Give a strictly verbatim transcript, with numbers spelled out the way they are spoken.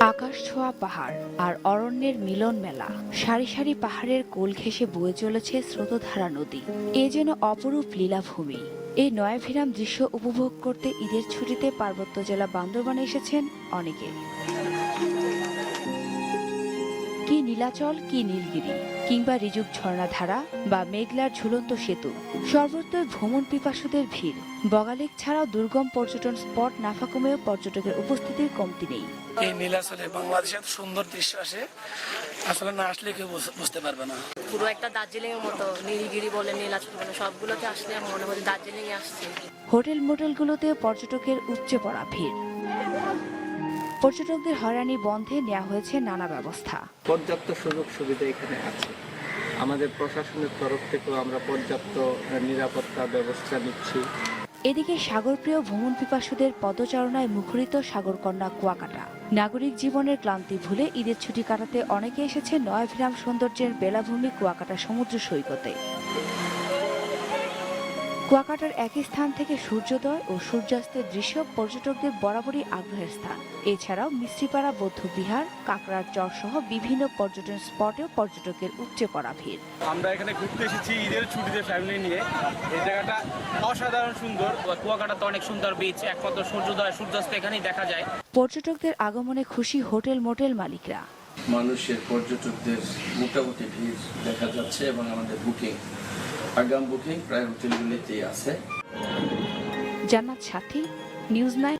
আকাশ ছোঁয়া পাহাড় আর অরণ্যের মিলন মেলা, সারি সারি পাহাড়ের কোল ঘেঁষে বয়ে চলেছে স্রোতধারা নদী। এ যেন অপরূপ লীলাভূমি। এই নয়াভিরাম দৃশ্য উপভোগ করতে ঈদের ছুটিতে পার্বত্য জেলা বান্দরবানে এসেছেন অনেকে। কি নীলাচল, কি নীলগিরি, কিংবা ঋজুক ঝর্ণাধারা বা মেঘলার ঝুলন্ত সেতু, সর্বত্র ভ্রমণ পিপাসুদের ভিড়। বগালেক ছাড়াও দুর্গম পর্যটন স্পট নাফা কমেও পর্যটকের উপস্থিতির কমতি নেই। এই নীলাচলে বাংলাদেশের সুন্দর দৃশ্য আসে, আসলে না আসলে কেউ বুঝতে পারবে না। পুরো একটা দার্জিলিং এর মতো, নীলগিরি বলে নীলাচল বলে সবগুলোতে আসলে আমার মনে হয় দার্জিলিং এ আসছে। হোটেল মোটেলগুলোতে পর্যটকের উপচে পড়া ভিড়। পর্যটকদের হয়রানি বন্ধে নেওয়া হয়েছে নানা ব্যবস্থা। পর্যাপ্ত সুযোগ সুবিধা এখানে আছে। আমাদের প্রশাসনের তরফ থেকেও আমরা পর্যাপ্ত নিরাপত্তা ব্যবস্থা নিচ্ছি। এদিকে সাগরপ্রিয় ভ্রমণ পিপাসুদের পদচারণায় মুখরিত সাগরকন্যা কুয়াকাটা। নাগরিক জীবনের ক্লান্তি ভুলে ঈদের ছুটি কাটাতে অনেকে এসেছে নয়াভিরাম সৌন্দর্যের বেলাভূমি কুয়াকাটা সমুদ্র সৈকতে। কুয়াকাটার একই স্থান থেকে সূর্যোদয় ও সূর্যাস্তের দৃশ্য পর্যটকদের বরাবরই আগ্রহের স্থান। এছাড়াও মিস্ত্রিপাড়া বৌদ্ধবিহার, কাকড়ার চর সহ বিভিন্ন পর্যটন স্পটেও পর্যটকের উপচে পড়া ভিড়। আমরা এখানে ঘুরতে এসেছি ঈদের ছুটিতে ফ্যামিলি নিয়ে। এই জায়গাটা অসাধারণ সুন্দর। কুয়াকাটা তো অনেক সুন্দর বিচ, একমাত্র সূর্যোদয় সূর্যাস্ত এখানেই দেখা যায়। পর্যটকদের আগমনে খুশি হোটেল মোটেল মালিকরা। মানুষের পর্যটকদের মোটামুটি ভিড় দেখা যাচ্ছে এবং আমাদের বুকিং আগাম বুকিং প্রায় হোটেলগুলিতেই আছে। জান্নাত সাথী, নিউজ নাইন।